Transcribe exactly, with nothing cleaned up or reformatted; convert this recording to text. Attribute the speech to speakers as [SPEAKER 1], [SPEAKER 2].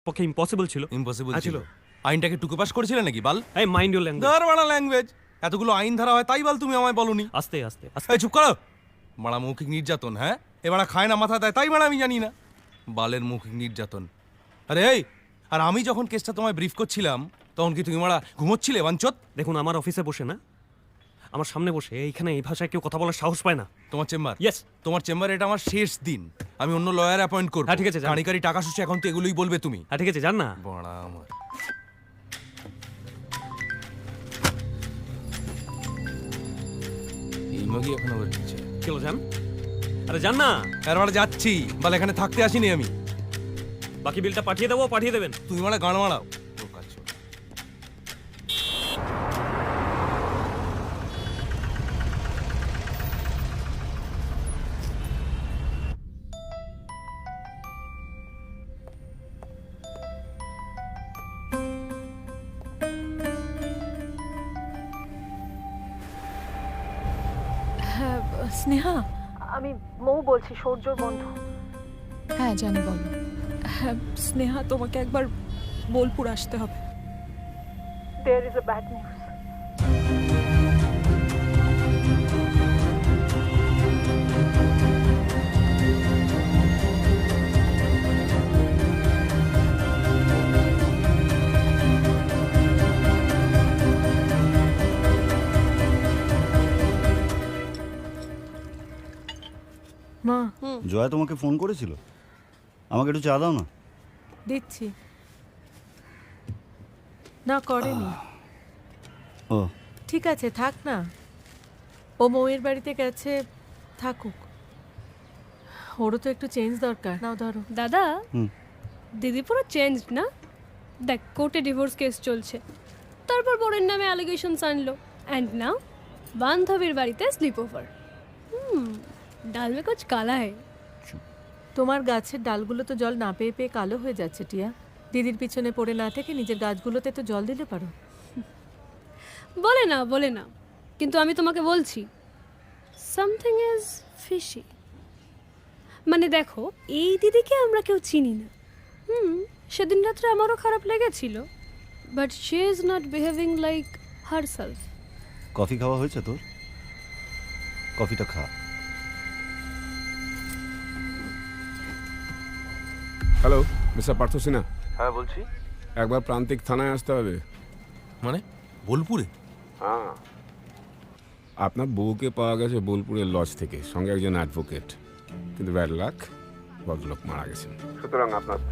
[SPEAKER 1] পক্ষে ইম্পসিবল ছিল।
[SPEAKER 2] ইম্পসিবল
[SPEAKER 1] হ্যাঁ,
[SPEAKER 2] ছিল। আইনটাকে টুকে পাস করেছিলে নাকি বাল?
[SPEAKER 1] এই মাইন্ড ইউর ল্যাঙ্গুয়েজ।
[SPEAKER 2] গার বাড়া ল্যাঙ্গুয়েজ, এতগুলো আইন ধারা হয় তাই বাল তুমি আমায় বলনি?
[SPEAKER 1] আস্তে আস্তে আস্তে।
[SPEAKER 2] এই চুপ করো, বাড়া মৌখিক নির্যাতন। হ্যাঁ, এ বাড়া খায় না মাথা দেয় তাই বাড়া আমি জানি না বালের মৌখিক নির্যাতন। আরে এই, আর আমি যখন কেসটা তোমায় ব্রিফ করছিলাম তখন কি তুমি মারা ঘুমোচ্ছিলে বাঞ্চত?
[SPEAKER 1] দেখুন, আমার অফিসে বসে না, আমার সামনে বসে এইখানে এই ভাষায় কেউ কথা বলার সাহস পায় না।
[SPEAKER 2] তোমার চেম্বার?
[SPEAKER 1] ইয়েস।
[SPEAKER 2] তোমার চেম্বারে এটা আমার শেষ দিন, আমি অন্য লয়ার অ্যাপয়েন্ট করব।
[SPEAKER 1] হ্যাঁ, ঠিক আছে, যান।
[SPEAKER 2] কানিকারি টাকা শুষে এখন তো এগুলোই বলবে তুমি।
[SPEAKER 1] হ্যাঁ ঠিক আছে, যান না।
[SPEAKER 2] বাড়া আমার এই মগই এখন আবার দিচ্ছে।
[SPEAKER 1] চলো যান। আরে যান না।
[SPEAKER 2] আর মারা যাচ্ছি বাল, এখানে থাকতে আসিনি আমি।
[SPEAKER 1] বাকি বিলটা পাঠিয়ে দেবো, পাঠিয়ে দেবেন।
[SPEAKER 2] তুমি মারা গান মারাও। বোকা ছোট।
[SPEAKER 3] হ্যাঁ স্নেহা,
[SPEAKER 4] আমি মৌ বলছি, সৌর্যর বন্ধু।
[SPEAKER 3] হ্যাঁ জানি, বলো। হ্যাঁ স্নেহা, তোমাকে একবার বোলপুর আসতে হবে।
[SPEAKER 4] There is a bad news.
[SPEAKER 3] মা,
[SPEAKER 5] জয়া তোমাকে ফোন করেছিল? আমাকে একটু চা দাও না।
[SPEAKER 3] দিচ্ছি। না করেনি।
[SPEAKER 5] ও
[SPEAKER 3] ঠিক আছে, থাক না। ও মৌয়ের বাড়িতে গেছে, থাকুক। ওরও তো একটু চেঞ্জ দরকার। নাও ধরো।
[SPEAKER 6] দাদা,
[SPEAKER 5] হুম।
[SPEAKER 6] দিদি পুরো চেঞ্জ না? দেখ, কোর্টে ডিভোর্স কেস চলছে, তারপর বরের নামে অ্যালিগেশনস আনলো, অ্যান্ড নাও বান্ধবীর বাড়িতে স্লিপ ওভার। হুম, ডাল মে কুছ কালা है।
[SPEAKER 3] তোমার গাছের ডালগুলো তো জল না পেয়ে পেয়ে কালো হয়ে যাচ্ছে টিয়া। দিদির পিছনে পড়ে না থেকে নিজের গাছগুলোতে তো জল দিতে পারো।
[SPEAKER 6] বলে না বলে না, কিন্তু আমি তোমাকে বলছি সামথিং ইজ ফিশি। মানে দেখো, এই দিদিকে আমরা কেউ চিনি না। হুম, সেদিন রাত্রে আমারও খারাপ লেগেছিল, but she is not behaving like herself.
[SPEAKER 5] Coffee খাওয়া হয়েছে তোর? কফিটা খা।
[SPEAKER 7] Hello, mister Partha Sinha.
[SPEAKER 2] হ্যাঁ বলছি।
[SPEAKER 7] একবার প্রান্তিক থানায় আসতে হবে।
[SPEAKER 2] মানে বোলপুরে?
[SPEAKER 7] হ্যাঁ, আপনার বউকে পাওয়া গেছে বোলপুরের লজ থেকে, সঙ্গে একজন অ্যাডভোকেট। কিন্তু ব্যাড লাক, ভদ্রলোক মারা গেছেন। সুতরাং আপনার